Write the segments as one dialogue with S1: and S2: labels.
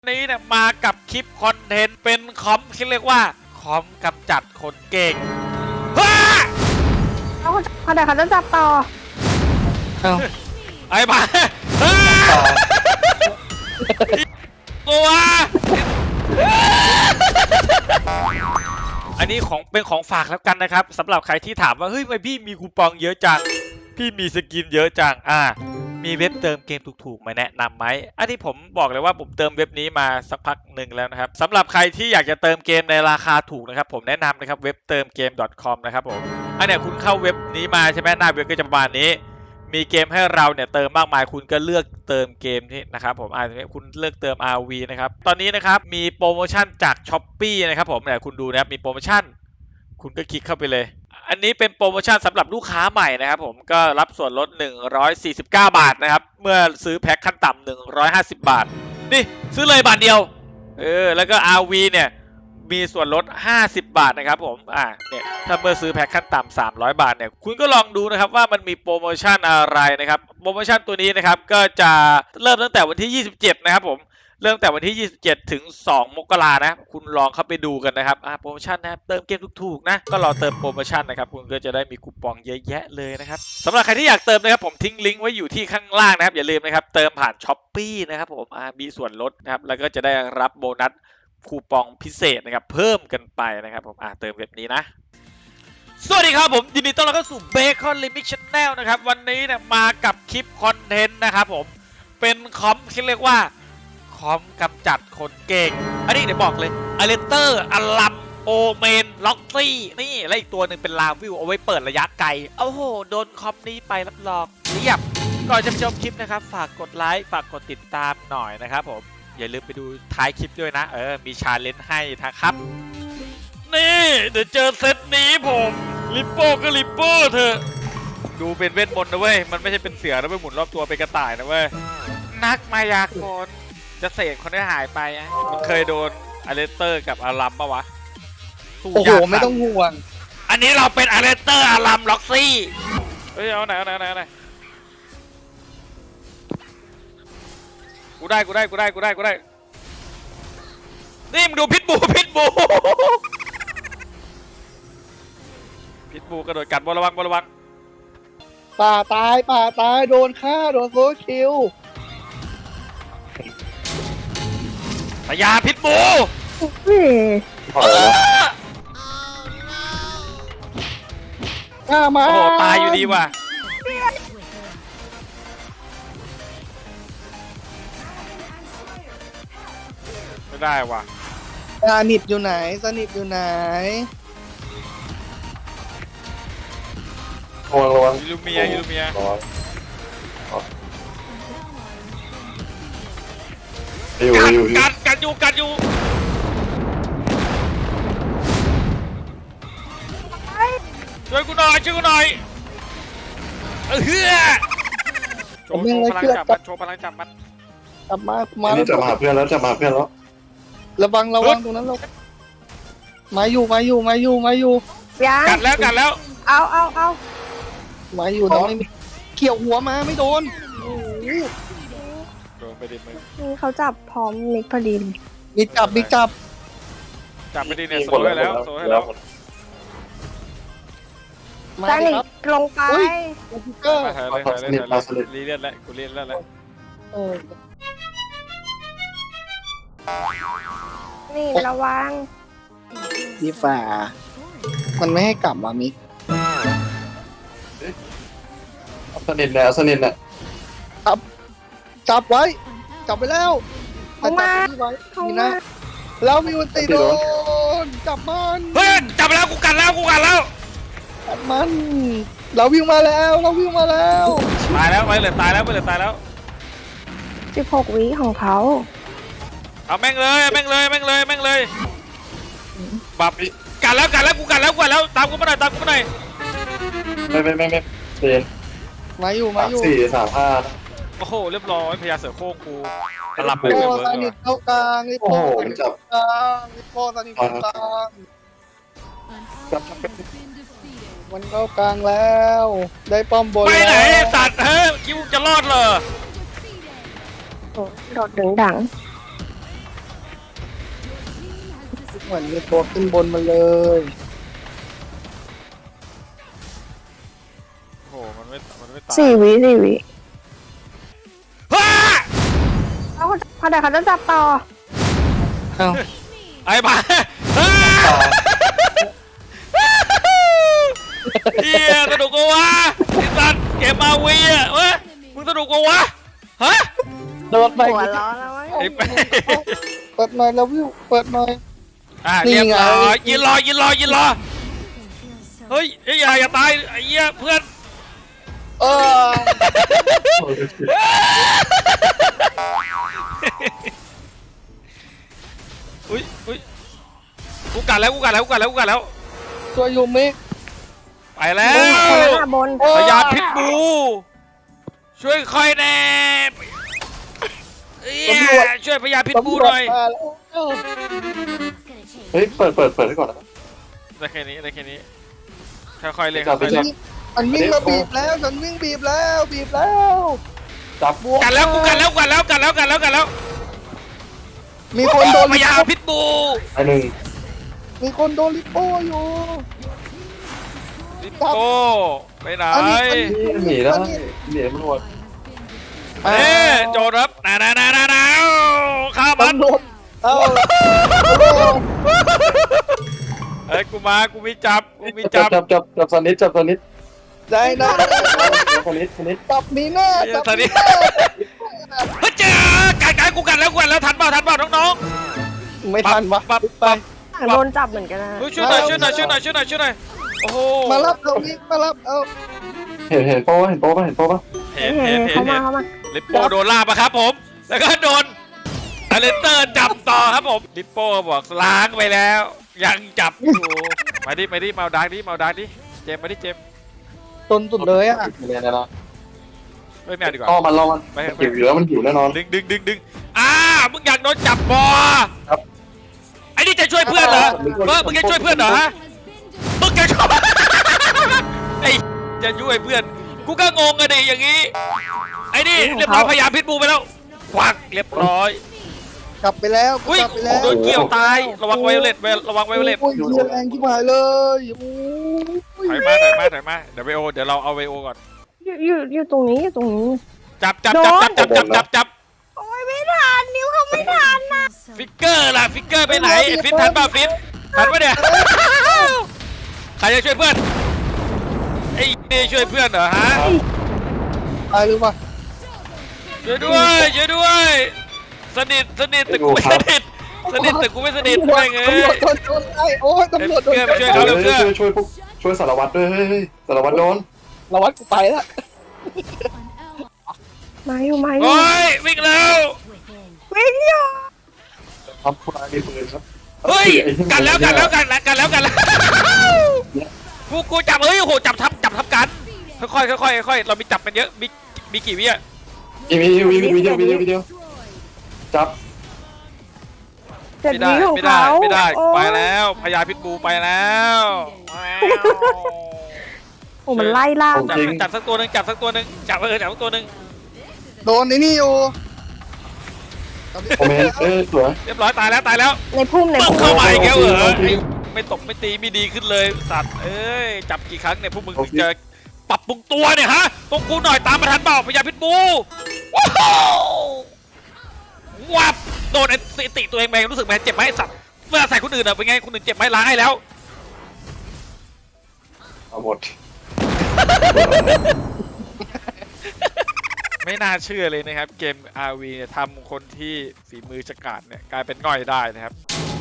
S1: นี้เนี่ยมากับคลิปคอนเทนต์เป็นคอมที่เรียกว่าคอมกำจัดคนเก่งฮ่า
S2: เขาเดี๋ยวเขาจะจับต่อ
S1: ไอ้บ้าตัวอันนี้เป็นของฝากแล้วกันนะครับสำหรับใครที่ถามว่าเฮ้ยทำไมพี่มีคูปองเยอะจังพี่มีสกินเยอะจังมีเว็บเติมเกมถูกๆมาแนะนำไหมอันที่ผมบอกเลยว่าผมเติมเว็บนี้มาสักพักหนึ่งแล้วนะครับสำหรับใครที่อยากจะเติมเกมในราคาถูกนะครับผมแนะนำนะครับเว็บเติมเกม .com นะครับผมอันเนี้ยคุณเข้าเว็บนี้มาใช่ไหมหน้าเว็บก็จะประมาณนี้มีเกมให้เราเนี่ยเติมมากมายคุณก็เลือกเติมเกมที่นะครับผมคุณเลือกเติม RV นะครับตอนนี้นะครับมีโปรโมชั่นจาก Shopee นะครับผมเนี่ยคุณดูนะครับมีโปรโมชั่นคุณก็คลิกเข้าไปเลยอันนี้เป็นโปรโมชั่นสำหรับลูกค้าใหม่นะครับผมก็รับส่วนลด149 บาทนะครับเมื่อซื้อแพ็คขั้นต่ำ150 บาทนี่ซื้อเลยบาทเดียวแล้วก็ RV เนี่ยมีส่วนลด50 บาทนะครับผมเนี่ยถ้าเมื่อซื้อแพ็คขั้นต่ำ300 บาทเนี่ยคุณก็ลองดูนะครับว่ามันมีโปรโมชั่นอะไรนะครับโปรโมชั่นตัวนี้นะครับก็จะเริ่มตั้งแต่วันที่27นะครับผมเริ่มแต่วันที่27ถึง2 มกรานะคุณลองเข้าไปดูกันนะครับโปรโมชั่นนะครับเติมเกมถูกๆนะก็รอเติมโปรโมชั่นนะครับคุณก็จะได้มีคูปองเยอะแยะเลยนะครับสำหรับใครที่อยากเติมนะครับผมทิ้งลิงก์ไว้อยู่ที่ข้างล่างนะครับอย่าลืมนะครับเติมผ่าน Shopee นะครับผมมีส่วนลดนะครับแล้วก็จะได้รับโบนัสคูปองพิเศษนะครับเพิ่มกันไปนะครับผมเติมแบบนี้นะสวัสดีครับผมยินดีต้อนรับเข้าสู่ Bacon Limit Channel นะครับวันนี้เนี่ยมากับคลิปคอนเทนต์นะครับผมเป็นคอมที่เรียกว่าคอมกำจัดคนเก่งอันนี้เดี๋ยวบอกเลยอเลเตอร์อลัมโอเมนล็อกซี่นี่และอีกตัวหนึ่งเป็นลาวิวเอาไว้เปิดระยะไกลโอ้โหโดนคอมนี้ไปรับรองเรียบก่อนจะชมคลิปนะครับฝากกดไลค์ฝากกดติดตามหน่อยนะครับผมอย่าลืมไปดูท้ายคลิปด้วยนะมีชาเลนจ์ให้นะครับนี่เดี๋ยวเจอเซตนี้ผมลิปโป้ก็ลิปโป้เถอะดูเป็นเวทมนต์นะเว้ยมันไม่ใช่เป็นเสือนะเว้ยหมุนรอบตัวเป็นกระต่ายนะเว้ยนักมายากลจะเสกคนได้หายไปมึงเคยโดนอเลสเตอร์กับอารัมปะวะ
S3: โอ้โหไม่ต้องห่วง
S1: อันนี้เราเป็นอเลสเตอร์อารัมล็อกซี่เฮ้ยเอาไหนกูได้นี่มึงดูพิษบูพิษบูกระโดดกัดบอลระวัง
S3: ป่าตายโดนฆ่าโดนโซคิว
S1: พยาพิษบู
S3: ฆ่ามา
S1: โอ้โหตายอยู่ดีว่ะไม่ได้ว่ะ
S3: สนิทอยู่ไหน
S4: ระวัง
S1: ยูลูเมียกัดอยู่ช่วยกูหน่อยโชว์พลังจับมัน
S3: กลับมา
S4: นี่จะมาหาเพื่อนแล้ว
S3: ระวังตรงนั้นเรามาอยู่
S2: ยัง
S1: กัดแล้ว
S2: เอา
S3: มาอยู่น้องไม่เกี่ยวหัวมาไม่โดน
S1: โดนไปดิมึง
S2: นี่เขาจับพร้อมมิกพอดี
S3: มีจับ
S1: ไปดิเนี่ยโซ่ให้แล้ว
S2: ได้หนีลงไป
S1: รีเลียนแล้วกูเลียนแล้ว
S2: นี่ระวัง
S3: พี่ฝ่ามันไม่ให้กลับมิก
S4: สนิทเนี่ย
S3: จับไว้จับไปแล้ว
S2: เข้ามา
S3: นี่นะแล้วมีวันตีโดนจับมัน
S1: เฮ้ยจับแล้วกูกัดแล้ว
S3: จับมันเราวิ่งมาแล้ว
S1: ตายแล้วไปเลยตายแล้ว
S2: 16 วิของเขา
S1: เอาแม่งเลยบับกัดแล้วกูกัดแล้วตามกูมาหน่อย
S4: ไม่เตียน
S3: มาอยู่
S4: 4 3 5
S1: โอ้โหเรียบร้อยพญาเสือโค้งกูหลับไป
S3: เลยสนิทเข้ากลางลิโป้สนิทเข้ากลางมันเข้ากลางแล้วได้ป้อมบน
S1: ไปไหนสัตว์คิดว่าจะรอดเหรอ
S2: โดดดึงดัง
S3: เหมือนมีตัวขึ้นบนมาเลย
S1: โอ้โหมันไม่ตาย
S2: 4 วิ
S1: ฮ่า
S2: แล้วพอเดี๋ยวเขาจะจับต่อ
S3: เอ้า
S1: ไอ้บ้าฮ่าเฮียสนุกกวะไอ้สัตว์เกมมาวีอ่ะเว้ยมึงสนุกกวะฮะ
S3: โดนไป
S2: หัวร้อนแล้ววะ
S1: ไอ้
S3: เปิดหน่อยแล้ววิวเปิดหน่อย นี่
S1: เรียบ
S3: ไง
S1: ร้อยยืนรอเฮ้ยอย่าตายไอ้เหี้ยเพื่อน
S3: เออ
S1: อุ้ยกูกัดแล้ว
S3: ตัวยูมิ
S1: ไปแล้
S2: บนคน
S1: ว
S2: นั้นอะบน
S1: พยาพิษบูช่วยคอยแน่ช่วยพยาพิษบูหน่อย
S3: มาแล้ว
S4: เฮ้ยเปิดให้ก่อนนะ
S1: ได้แค่นี้ค่อยๆเล่น
S4: จับ
S1: ค่อยๆเล่น
S3: มันวิ่งมาบีบแล้วฉันวิ่งบีบแล้ว
S4: จับ
S1: กัดแล้วกูกัดแล้ว
S3: มีคนโดน
S1: พยาพิษบู
S4: ไอ้หนึ่ง
S3: มีคนโดนลิปโป้อยู่
S1: ลิปโก้ไปไหน
S4: นี่หนีได้หนีมันหมด
S1: โจรครับนาข้ามัน
S3: ตำรวจเอ้า
S1: เฮ้ยกูมีจับ
S4: จับสนิทจับสนิท
S3: ได้นะ
S4: สนิท
S3: จับมีแน่จับมีแน่
S1: เฮ้ยเจ้ากัดกูกัดแล้วทันเปล่าน้อง
S3: ไม่ทันวะ
S1: ปั๊บ
S3: ไป
S2: โดนจับเหมือนกันนะ
S1: ช่วยหน่อยโอ้โห
S3: มารับเอานี่มารับเอา
S4: เห็นโป้ป่ะเห็นโป้ป่ะ
S1: เห็น
S2: เขามา
S1: ลิปโป้โดนล่าปะครับผม แล้วก็โดนอเลนเตอร์จับต่อครับผมลิปโป้บอกล้างไปแล้ว ยังจับอยู่มาดิเมาดักดิเจมมาดิเจม
S3: ต้นสุดเลยอ่ะ
S4: เนี่ยนะ
S1: ไม่เอาดีกว่า
S4: ล่อมันหิวอยู่แล้วมันหิวแน่นอน
S1: ดึงมึงอยากโดนจับบอไอ้นี่จะช่วยเพื่อนเหรอมึงจะช่วยเพื่อนเหรอฮะมึงจะช่วยไอ้จะช่วยเพื่อนกูก็งงอะดิอย่างงี้ไอ้นี่เรียบร้อยพยายามพิษบูไปแล้วควักเรียบร้อย
S3: กลับไปแล้ว
S1: อุ้ย
S3: กลับไปแล้ว
S1: โดนเกี่ยวตายระวังไวโอเลต
S3: โอ้ยเหี้ยแรงที่หายเลยโอ้ย
S1: ถอยมาเดี๋ยวเราเอาไวโอก่อน
S2: อยู่ตรงนี้
S1: จับ
S2: โอ้ยไม่ทันนิ้วเขาไม่ทันนะ
S1: ฟิกเกอร์ล่ะฟิกเกอร์ไปไหนฟิตทันป่ะฟิตทันป่ะเนี่ยใครจะช่วยเพื่อนไอ้นี่ช่วยเพื่อนเหรอฮะ
S3: ตายหรือเปล่า
S1: ช่วยด้วยสนิทแต่กูไม่สนิทแต่กูไม่สนิทไม่เงย
S3: ตำรวจโดนไล่โอ้ยตำรวจโดน
S4: ช่วยสารวัตรด้วยเฮ้ยสารวัตรโดน
S3: ระวัดกูไปแล้ว
S2: มาอยู่
S1: โอ้ยวิ่งแล้ว
S2: วิ่งอยู่
S4: ทำคุณมีปืนครับ
S1: เฮ้ยกันแล้วกูจับเฮ้ยโหจับทับกันค่อยเรามีจับมันเยอะมีกี่วิอ่ะ
S4: มีวิดีโอจับ
S2: 7 วิของเขา
S1: ไม่ได้
S2: โอ้
S1: ไปแล้วพญาพิษบูไปแล้ว
S2: โอ้มันไล่ล่า
S1: จับสักตัวหนึ่งจับสักตัวหนึ่ง
S3: โดนในนี่อยู่
S4: ผมเห็นสวย
S1: เรียบร้อยตายแล้ว
S2: ในพุ่ม
S1: เข้ามาอีกแล้วเหรอไม่ตกไม่ตีไม่ดีขึ้นเลยสัตว์เอ้ยจับกี่ครั้งเนี่ยพวกมึงถึงจะปรับปรุงตัวเนี่ยฮะตรงกูหน่อยตามมาทันเปล่าพญาพิษบูว้าววับโดนไอ้ติตัวเองแม่งรู้สึกแม่เจ็บไหมสัตว์เวลาใส่คนอื่นอะเป็นไงคนอื่นเจ็บไหมล้างให้แล้ว
S4: เอาหมด
S1: ไม่น่าเชื่อเลยนะครับเกม RV เนี่ยทำคนที่ฝีมือฉกาจเนี่ยกลายเป็นง่อยได้นะครับ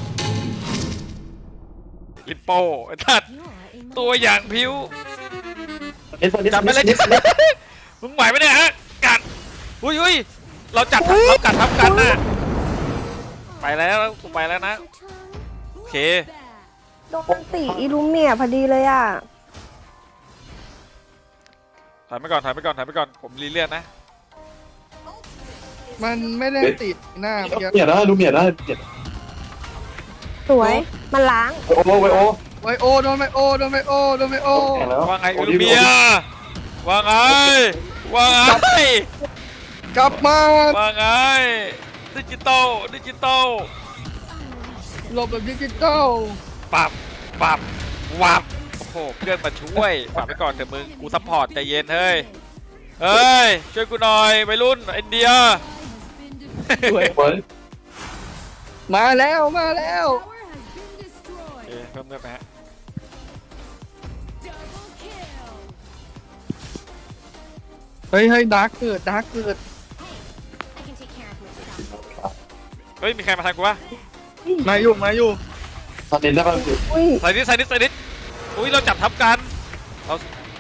S1: ลิปโป้ทัดตัวอย่างผิวจับไปเลยมึงไหวไหมเนี่ยฮะกัดอุ้ยเรากัดทับกันนะไปแล้วนะโอเค
S2: โดนตีอิลูเมียพอดีเลยอ่ะ
S1: ถอยไปก่อนผมรีเลียนนะ
S3: มันไม่ได้ติดหน้าเมื่อกี้
S4: เมียได้ดูเมียได้
S2: สวย มันล้าง
S4: โอ้ไวโอ
S3: ไวโอโดนไวโอ
S4: แล้ว
S1: ว่าไงอูเมียว่าไง
S3: กลับมา
S1: ว่าไงดิจิตอล
S3: หลบแบบดิจิตอล
S1: ปับปับวับโอ้โหเพื่อนมาช่วยฝากไปก่อนเถอะมึงกูซัพพอร์ตใจเย็นเฮ้ยเฮ้ยช่วยกูหน่อยวัยรุ่นอินเดีย
S4: เฮ้ย
S3: มาแล้วมาแล้ว
S1: โอเคเพิ่มเลือดไปฮะ
S3: เฮ้ยดาร์กเกิดดาร์กเกิด
S1: เฮ้ยมีใครมาทางกูวะ
S3: มาอยู่
S4: ตอนนี้ได้ป่ะพี่
S1: ใส่นิดอุ้ยเราจับทับกันเรา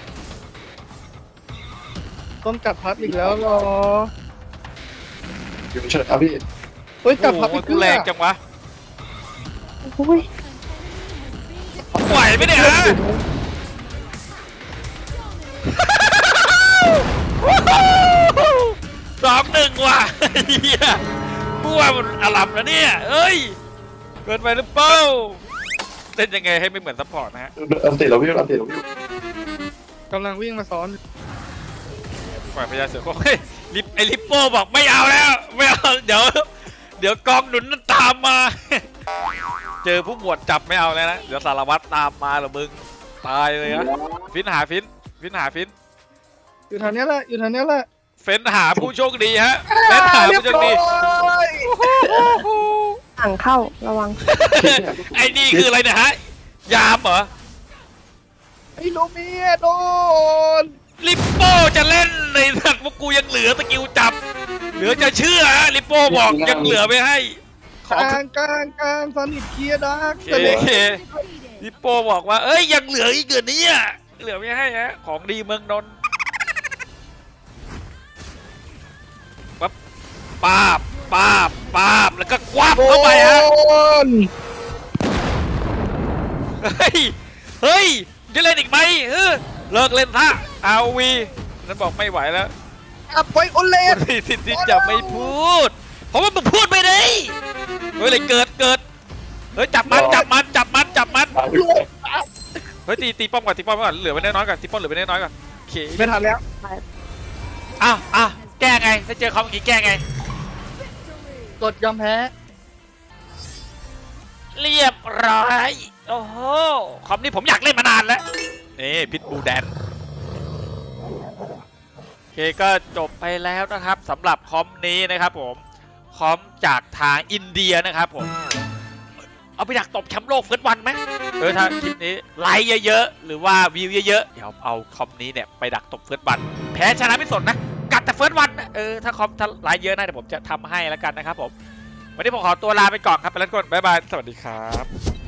S3: ต้องจับพัดอีกแล้วเหรอ
S4: อยู่เฉยครับพี่
S3: เฮ้ยจับ
S1: โอ้
S3: พัด
S1: โห
S3: อีก
S1: กูแรงจังวะไหวไหมเนี่ยฮะ 2-1ว่ะเฮียกูว่ามันอลัมแล้วเนี่ยเอ้ยเกินไปหรือเปล่าเล่นยังไงให้ไม่เหมือนซัพพอร์ตนะฮะ
S4: อันติดแล้วพี่อันติดแล้วพี่
S3: กำลังวิ่งมาซ้อน
S1: ปล่อยพญาเสือโคร่งเฮ้ยลิปโป้บอกไม่เอาแล้วไม่เอาเดี๋ยวกองหนุนนั่นตามมา เจอผู้หมวดจับไม่เอาแล้วนะเดี๋ยวสารวัตรตามมาเหรอมึงตายเลยนะฟินหาฟิน
S3: อยู่ทางนี้แหละอยู่ทางนี้แหละ
S1: เฟ้นหาผู้โชคดีฮะเฟ้นหาผู้โชคดี
S2: หลังเข้าระวัง
S1: ไอ้นี่คืออะไรเนี่ยฮะยามเหรอ
S3: ไอ้ลูเมียโดน
S1: ลิปโป้จะเล่นในสัตว์พวกกูยังเหลือสกิลจับเหลือจะเชื่อฮะลิปโป้บอกยังเหลือไม่ให้ข
S3: ก
S1: อ
S3: ลางซอนิกเคลียร์ดาร์ก
S1: เคลิปโป้บอกว่าเอ้ยยังเหลืออีกเกินนี้อ่ะเหลือไม่ให้ฮะของดีเมืองนนท์ปั๊บป้าบแล้วก็ควับเข้าไปฮะ เฮ้ยจะเล่นอีกไหมเลิกเล่นท่าเอาวีนั้นบอกไม่ไหวแล้ว
S3: อับไปโอเล
S1: คุ
S3: น
S1: ณมีสิทธิ์ที่จะไม่พูด เพราะว่ามึงพูดไม่ได้เฮ้ยเลยเกิดเฮ้ยจับมันเฮ้ยตีป้อมก่อนเหลือไว้น้อยๆก่อนตีป้อมเหลือไว้น้อยๆก่อนโอเค
S3: ไม่ทันแล้ว
S1: อ้าวแก้ไงถ้าเจอคอมเมื่อกี้แก้ไง
S3: กดยอมแพ้
S1: เรียบร้อยโอ้โหคอมนี้ผมอยากเล่นมานานแล้วนี่พิทบูแดนโอเคก็จบไปแล้วนะครับสำหรับคอมนี้นะครับผมคอมจากทางอินเดียนะครับผมเอาไปดักตบแชมป์โลกเฟิร์สวันไหมถ้าคลิปนี้ไลค์เยอะๆหรือว่าวิวเยอะๆเดี๋ยวเอาคอมนี้เนี่ยไปดักตบเฟิร์สวันแพ้ชนะไม่สนนะกัดแต่เฟิร์สวันนะถ้าไลค์เยอะนะเดี๋ยวผมจะทำให้แล้วกันนะครับผมวันนี้ผมขอตัวลาไปก่อนครับไปแล้วก่อนบ๊ายบายสวัสดีครับ